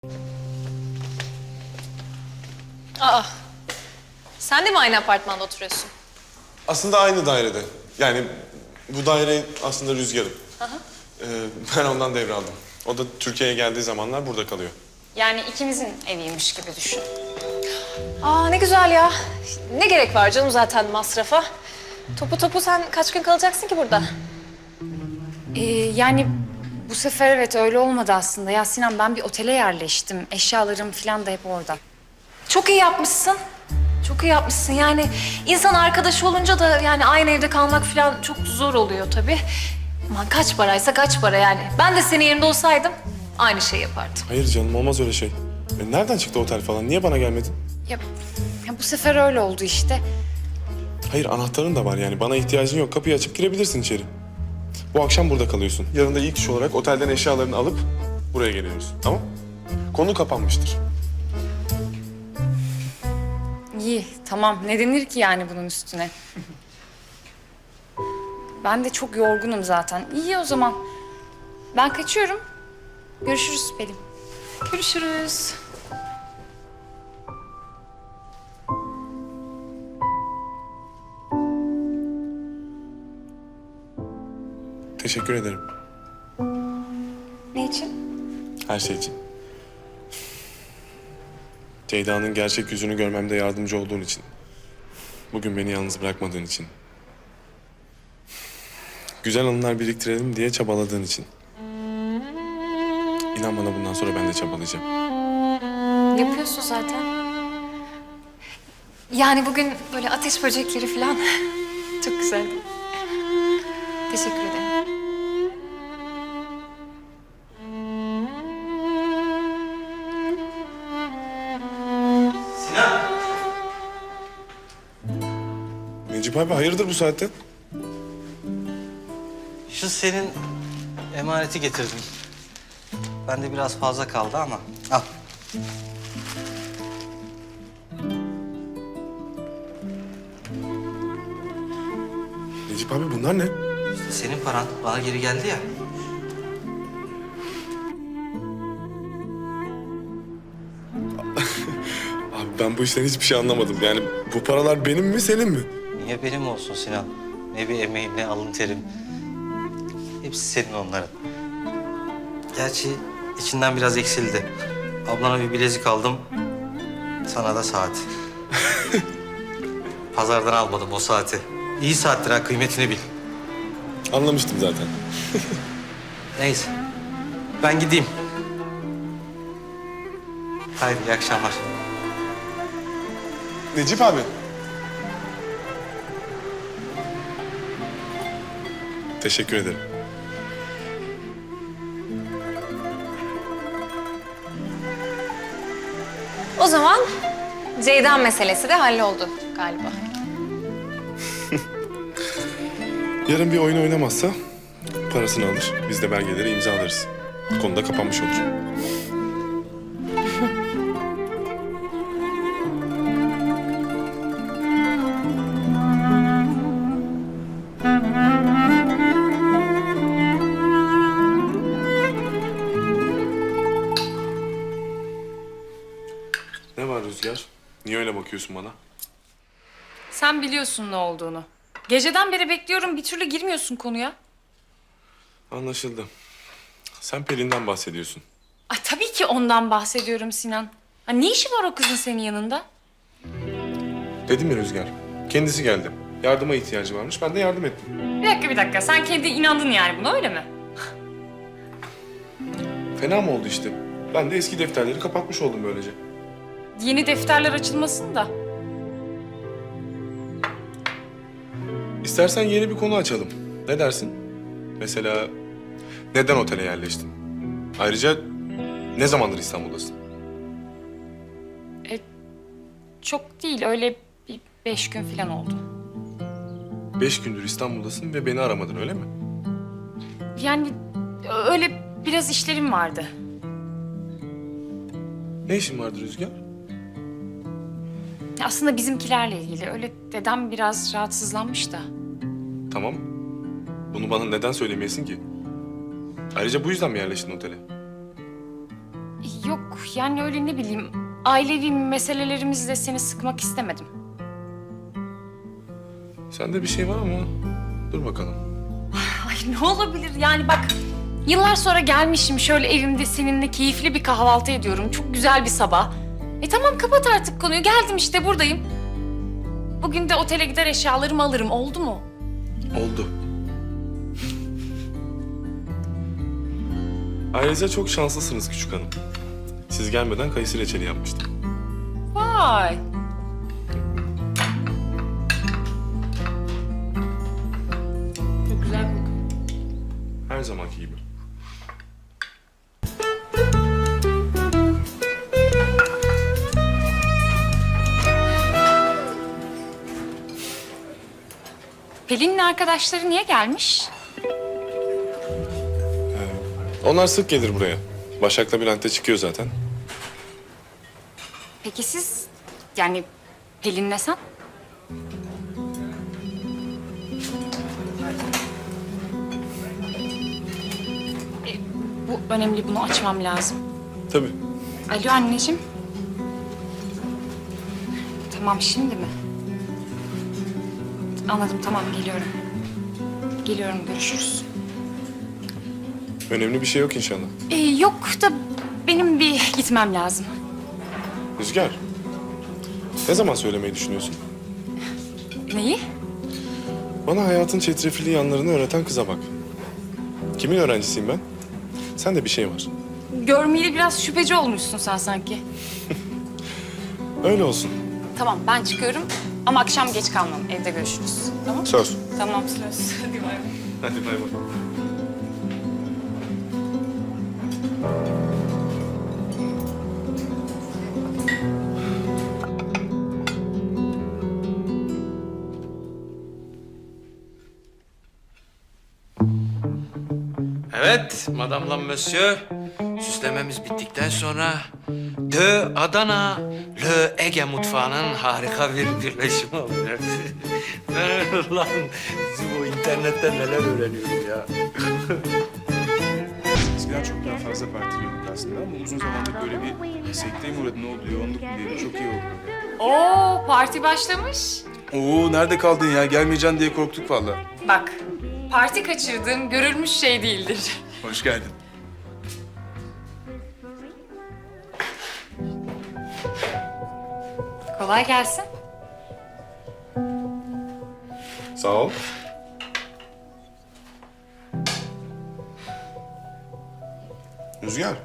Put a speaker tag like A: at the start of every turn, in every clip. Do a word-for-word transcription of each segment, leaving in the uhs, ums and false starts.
A: Aa, sen de mi aynı apartmanda oturuyorsun?
B: Aslında aynı dairede. Yani bu daire aslında Rüzgar'ın.
A: Hı hı.
B: Ee, ben ondan devraldım. O da Türkiye'ye geldiği zamanlar burada kalıyor.
C: Yani ikimizin eviymiş gibi düşün.
A: Aa, ne güzel ya. Ne gerek var canım zaten masrafa? Topu topu sen kaç gün kalacaksın ki burada?
C: Ee, yani bu sefer evet öyle olmadı aslında. Ya Sinan, ben bir otele yerleştim. Eşyalarım falan da hep orada.
A: Çok iyi yapmışsın. Çok iyi yapmışsın. Yani insan arkadaşı olunca da yani aynı evde kalmak falan çok zor oluyor tabii. Aman kaç paraysa kaç para yani. Ben de senin yerinde olsaydım aynı şeyi yapardım.
B: Hayır canım, olmaz öyle şey. E, nereden çıktı otel falan? Niye bana gelmedin?
C: Ya, ya bu sefer öyle oldu işte.
B: Hayır, anahtarın da var yani. Bana ihtiyacın yok. Kapıyı açıp girebilirsin içeri. Bu akşam burada kalıyorsun. Yarın da ilk iş olarak otelden eşyalarını alıp buraya geliyoruz. Tamam? Konu kapanmıştır.
C: İyi, tamam. Ne denir ki yani bunun üstüne? Ben de çok yorgunum zaten. İyi o zaman. Ben kaçıyorum. Görüşürüz Pelin.
A: Görüşürüz.
B: Teşekkür ederim.
C: Ne için?
B: Her şey için. Ceyda'nın gerçek yüzünü görmemde yardımcı olduğun için. Bugün beni yalnız bırakmadığın için. Güzel anılar biriktirelim diye çabaladığın için. İnan bana, bundan sonra ben de çabalayacağım.
A: Yapıyorsun zaten. Yani bugün böyle ateş böcekleri falan çok güzeldi. Teşekkür ederim.
B: Necip abi, hayırdır bu saatte?
D: Şu senin emaneti getirdim. Bende biraz fazla kaldı ama al.
B: Necip abi, bunlar ne?
D: İşte senin paran bana geri geldi ya.
B: Abi ben bu işten hiçbir şey anlamadım. Yani bu paralar benim mi, senin mi?
D: Niye benim olsun Sinan? Ne bir emeğim ne alın terim. Hepsi senin onların. Gerçi içinden biraz eksildi. Ablana bir bilezik aldım. Sana da saat. Pazardan almadım o saati. İyi saattir ha, kıymetini bil.
B: Anlamıştım zaten.
D: Neyse. Ben gideyim. Haydi iyi akşamlar.
B: Necip abi. Teşekkür ederim.
A: O zaman Ceyda meselesi de halloldu galiba.
B: Yarın bir oyun oynamazsa parasını alır. Biz de belgeleri imzalarız. Konu da kapanmış olur. Ne var Rüzgar? Niye öyle bakıyorsun bana?
C: Sen biliyorsun ne olduğunu. Geceden beri bekliyorum, bir türlü girmiyorsun konuya.
B: Anlaşıldı. Sen Pelin'den bahsediyorsun.
C: Ay tabii ki ondan bahsediyorum Sinan. Ha, ne işi var o kızın senin yanında?
B: Dedim ya Rüzgar. Kendisi geldi. Yardıma ihtiyacı varmış. Ben de yardım ettim.
C: Bir dakika bir dakika, sen kendi inandın yani buna, öyle mi?
B: Fena mı oldu işte? Ben de eski defterleri kapatmış oldum böylece.
C: Yeni defterler açılmasın da.
B: İstersen yeni bir konu açalım. Ne dersin? Mesela neden otele yerleştin? Ayrıca ne zamandır İstanbul'dasın?
C: E, çok değil, öyle bir beş gün falan oldu.
B: Beş gündür İstanbul'dasın ve beni aramadın, öyle mi?
C: Yani öyle biraz işlerim vardı.
B: Ne işin vardı Rüzgar?
C: Aslında bizimkilerle ilgili. Öyle dedem biraz rahatsızlanmış da.
B: Tamam. Bunu bana neden söylemeyesin ki? Ayrıca bu yüzden mi yerleştin otele?
C: Yok Yani öyle ne bileyim, ailevi meselelerimizle seni sıkmak istemedim.
B: Sende bir şey var ama dur bakalım.
C: Ay ne olabilir yani bak, yıllar sonra gelmişim şöyle evimde seninle keyifli bir kahvaltı ediyorum. Çok güzel bir sabah. E tamam kapat artık konuyu, geldim işte buradayım. Bugün de otele gider eşyalarımı alırım, oldu mu?
B: Oldu. Ayrıca çok şanslısınız küçük hanım. Siz gelmeden kayısı reçeli yapmıştım.
C: Vay. Çok güzel kokuyor.
B: Her zamanki gibi.
C: Pelin'in arkadaşları niye gelmiş?
B: Onlar sık gelir buraya. Başak'la Bülent'te çıkıyor zaten.
C: Peki siz, yani Pelin'le sen? E, bu önemli, bunu açmam lazım.
B: Tabii.
C: Alo anneciğim. Tamam, şimdi mi? Anladım, tamam geliyorum. Geliyorum, görüşürüz.
B: Önemli bir şey yok inşallah.
C: Ee, yok da benim bir gitmem lazım.
B: Rüzgar. Ne zaman söylemeyi düşünüyorsun?
C: Neyi?
B: Bana hayatın çetrefilli yanlarını öğreten kıza bak. Kimin öğrencisiyim ben? Sen de bir şey var.
C: Görmeyeli biraz şüpheci olmuşsun sen sanki.
B: Öyle olsun.
C: Tamam, ben çıkıyorum ama akşam geç kalmam. Evde görüşürüz. Tamam?
B: Söz.
C: Tamam, söz. Hadi bay bay.
B: Hadi bay bay.
E: Evet, madamla monsieur. Süslememiz bittikten sonra de Adana, le Ege mutfağının harika bir birleşimi oluyor. Ben lan bizim o internetten neler öğreniyorum ya.
F: Eskiden çok daha fazla partiliyorduk aslında ama uzun zamandır böyle bir sekteye mi uğradı, ne oldu, yoğunluk mu diyelim, çok iyi oldu.
C: Oo, parti başlamış.
F: Oo, nerede kaldın ya? Gelmeyeceksin diye korktuk vallahi.
C: Bak, parti kaçırdığım görülmüş şey değildir.
F: Hoş geldin.
C: Kolay gelsin.
B: Sağ ol. Rüzgar.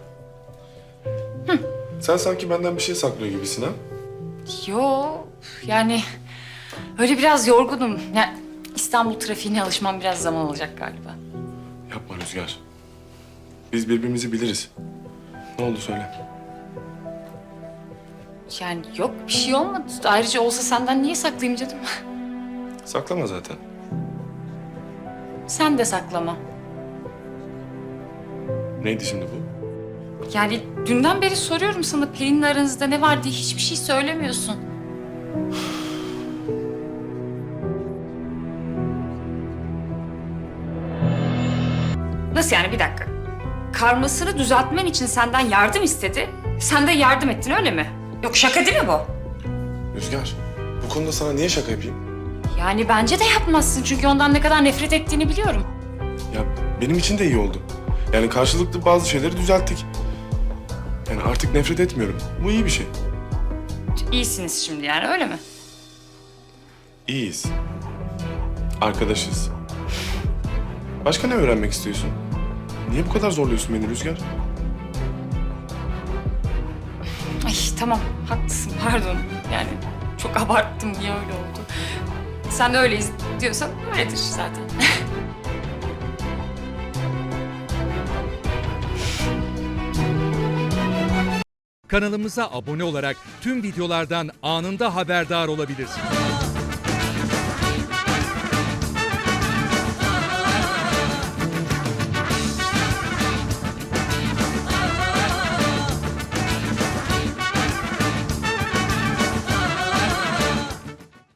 B: Sen sanki benden bir şey saklıyor gibisin ha?
C: Yo, yani öyle biraz yorgunum. Yani İstanbul trafiğine alışmam biraz zaman alacak galiba.
B: Yapma Rüzgar. Biz birbirimizi biliriz. Ne oldu söyle.
C: Yani yok, bir şey olmadı. Ayrıca olsa senden niye saklayayım canım?
B: Saklama zaten.
C: Sen de saklama.
B: Neydi şimdi bu?
C: Yani dünden beri soruyorum sana Pelin'le aranızda ne var diye, hiçbir şey söylemiyorsun. Nasıl yani, bir dakika. Karmasını düzeltmen için senden yardım istedi. Sen de yardım ettin, öyle mi? Yok, şaka değil mi bu?
B: Rüzgar, bu konuda sana niye şaka yapayım?
C: Yani bence de yapmazsın çünkü ondan ne kadar nefret ettiğini biliyorum.
B: Ya benim için de iyi oldu. Yani karşılıklı bazı şeyleri düzelttik. Yani artık nefret etmiyorum. Bu iyi bir şey.
C: İyisiniz şimdi yani, öyle mi?
B: İyiyiz. Arkadaşız. Başka ne öğrenmek istiyorsun? Niye bu kadar zorluyorsun beni Rüzgar?
C: Ay tamam, haklısın, pardon. Yani çok abarttım, niye öyle oldu? Sen de öyleyiz diyorsan öyledir zaten.
G: Kanalımıza abone olarak tüm videolardan anında haberdar olabilirsiniz.